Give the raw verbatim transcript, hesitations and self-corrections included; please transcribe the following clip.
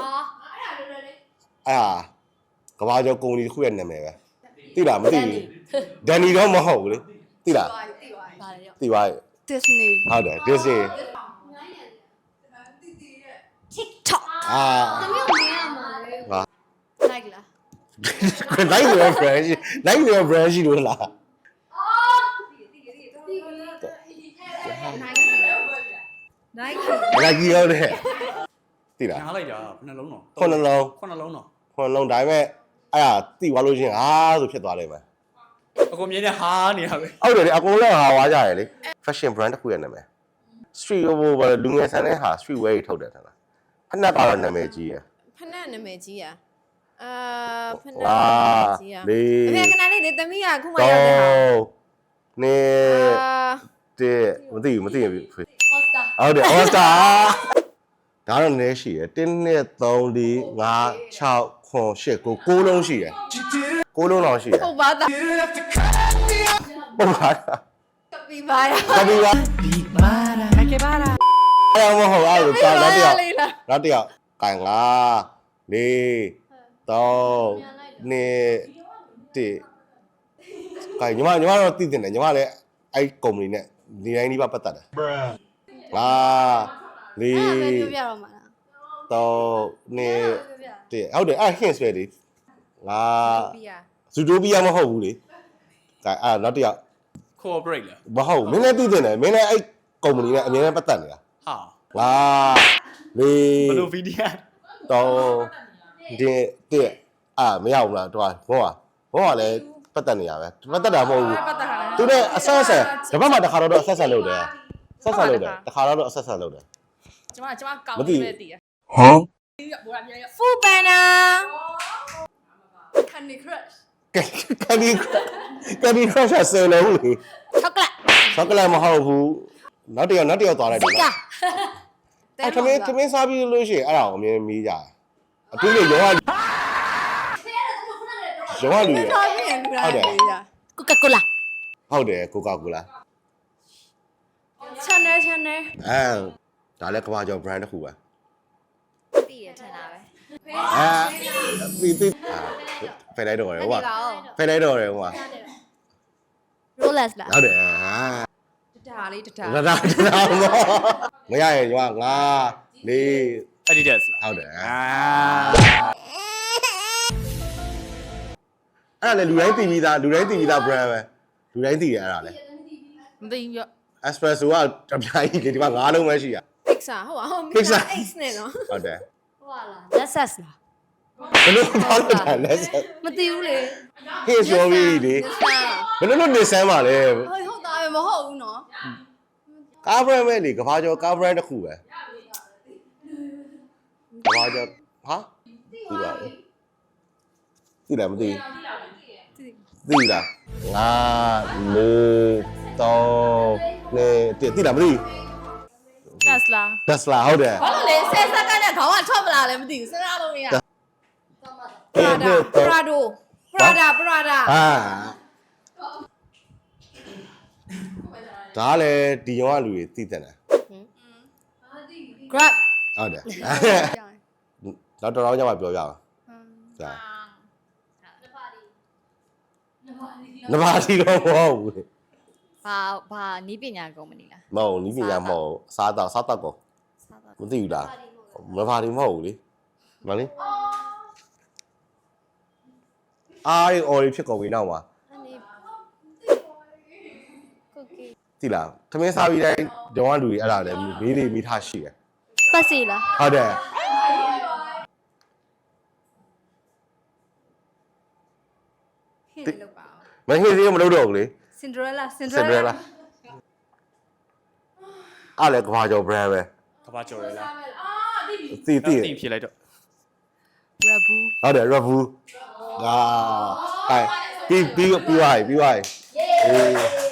啊，个话叫公里会员的没呗？对了，没对，但你都没好的，对了，对吧 Disney 好的，这是 TikTok 啊，啊， like 啦哪一个 brand 哪一个 brand 是多啦？ Nike 哪几个的？对了， ညားလိုက်တာဘယ်နှလုံးတော့ခုနှလုံးခုနှလုံးတော့ခုနှလုံးဒါပေမဲ့အဲ့ဒါတိသွားလို့ချင်းအာဆိုဖြစ်သွားလိမ့်မယ်အကိုမြင်တဲ့ဟာနေရပဲဟုတ်တယ်လေအကုန်လုံးဟာဝါကြရလေ fashion brand တစ်ခုရဲ့နာမည် street ဟိုလူငယ်ဆန်တဲ့ဟာ street wear ထုတ်တယ်ထင်လားဖက်နက်ကတော့နာမည်ကြီးရယ်ဖနက်နာမည်ကြီးอ่ะအာဖနက်ဟာကြီးอ่ะလေးအဖေကနာလေးဒီသမီးကခုမှရောက်တဲ့ဟာနေအာတဲ့မသိဘူးမသိဘူး All-Star ဟုတ်တယ် all star ဒါတော့နည်းရှိရယ်1 2 3 4 5 6 9 10 9 9လုံးရှိရယ်9လုံးလောက်ရှိရယ်ဟုတ်ပါသားဟုတ်ပါကပီပါရာကပီပါကပီပါရာအဲ့မဟုတ်အဲ့လိုတာနောက်တစ်ယောက်လေးလားနောက်တစ်ယောက်ကန်ငါလေးတော့နေတိကဲညီမညီမတော့တည်တင်တယ်ညီမလည်းအဲ့ကုမ္ပဏီနဲ့ဒီတိုင်းဒီပါပတ်သက်တယ်ငါလေးအဲ့ဒါပဲပြောပြတော့မှာလားတော့နေပြောပြတိဟုတ်တယ်အဲ့ hints ပဲလေငါပီယာဇူတိုပီယာမဟုတ်ဘူးလေကဲအဲ့နောက်တစ်ယောက် cooperate လားမဟုတ်မင်းလည်းတည်တင်တယ်မင်းလည်းအဲ့ကုမ္ပဏီနဲ့အမြဲတမ်းပတ်သက်နေတာဟာငါလေးဘယ်လိုဗီဒီယိုတော့ဒီတဲ့အာမရဘူးလားတော့ဘောကဘောကလည်းပတ်သက်နေရပဲပတ်သက်တာမဟုတ်ဘူးပတ်သက်ခါလားသူနဲ့အဆက်ဆက်တပတ်မှတစ်ခါတော့အဆက်ဆက်လုပ်တယ်ဆက်ဆက်လုပ်တယ်တစ်ခါတော့အဆက်ဆက်လုပ်တယ်ကျမကျမကောင်းမသိနေတည်ရဟမ်ဘောရမြန်ရ Food Panda Candy Crush ကန်ဒီကန်ဒီခရရှ်ဆယ်လို့လေ Chocolate ဆောက်ကလက်မဟုတ်ဘူးနောက်တစ်ယောက်နောက်တစ်ယောက်သွားလိုက်တယ် Sika အဲ့ခမင်းခမင်းစားပြီးလို့ရှိရင်အဲ့ဒါကိုအမြင်မီးကြတယ်အတူတူရောကရောကလူရတော်ပြီလူလာလေးရာ Coca-Cola ဟုတ်တယ်ကိုကာကိုလာ Channel Channel အဲဒါလည်းကမ္ဘာကျော် brand တစ်ခုပဲတည်ရထင်တာပဲအဲပြီးပြီးဖယ်လိုက်တော့ရဟိုကဖယ်လိုက်တော့ရဟိုက Rolex လားဟုတ်တယ်ဟာတတာလေးတတာလာလာလာမရရင်ရွာငါလေး Adidas လားဟုတ်တယ်အာအဲ့ဒါလေလူတိုင်းတည်ပြီးသားလူတိုင်းတည်ပြီးသား brand ပဲလူတိုင်းတည်ရအဲ့ဒါလေမသိဘူးရ espresso ကတပြားကြီးလေဒီမှာငါးလုံးပဲရှိရ Pixar ဟုတ်ပါဟုတ် Pixar X နဲ့နော်ဟုတ်တယ်ဟိုဟာလား Lexus လားဘယ်လိုပေါက်တာလဲမသိဘူးလေဟေ့ဆိုပြီးလေဘယ်လိုလုပ်နေစမ်းပါလဲဟုတ်ဟုတ်တာပဲမဟုတ်ဘူးနော်ကား brand ပဲလေကဘာကျော်ကား brand တစ်ခုပဲကဘာကျော်ဟာဒီပါသိလားမသိသိလားငါလေးတော့နေသိလားမသိ Tesla Tesla ဟုတ်တယ်ဘာလို့လဲဆယ်စက္ကန့်နဲ့ခေါင်းကထွက်မလာလဲမသိဘူးစဉ်းစားလို့မရ Prada Prado Prada Prada ဟာဒါလည်းဒီရောကလူတွေသိတဲ့တယ် Grab ဟုတ်တယ်တော့တော်တော်ကြောင်ပြောပြအောင်ကြာနဘာဒီတော့မဟုတ်ဘူးဘာဘာနီးပညာကုမ္ပဏီလားမဟုတ်နီးပညာမဟုတ်စားတော့စားတော့ကောစားတော့မသိဘူးလားမဘာဒီမဟုတ်ဘူးလေမလေးအားရီအော်ရီဖြစ်ကုန်ပြီနောက်မှာအနေကုတ်ကီသိလားသမင်းစားပြီးတိုင်းဒေါ်ကလူတွေအဲ့ဒါလည်းမေးလေးမိထားရှိတယ်ပတ်စီလားဟုတ်တယ်ဟင်းလောက်ပါအောင်မဟင်းသေးမလုပ်တော့ဘူးလေ Cinderella စင်ဒရလာအားလည်းကဘာကျော် brand ပဲကဘာကျော်ရလားသိသိတင်ဖြေလိုက်တော့ Rabu ဟုတ်တယ် Rabu အာဟိုင်ပြီးပြီးပြီးသွားပြီပြီးသွားပြီအေး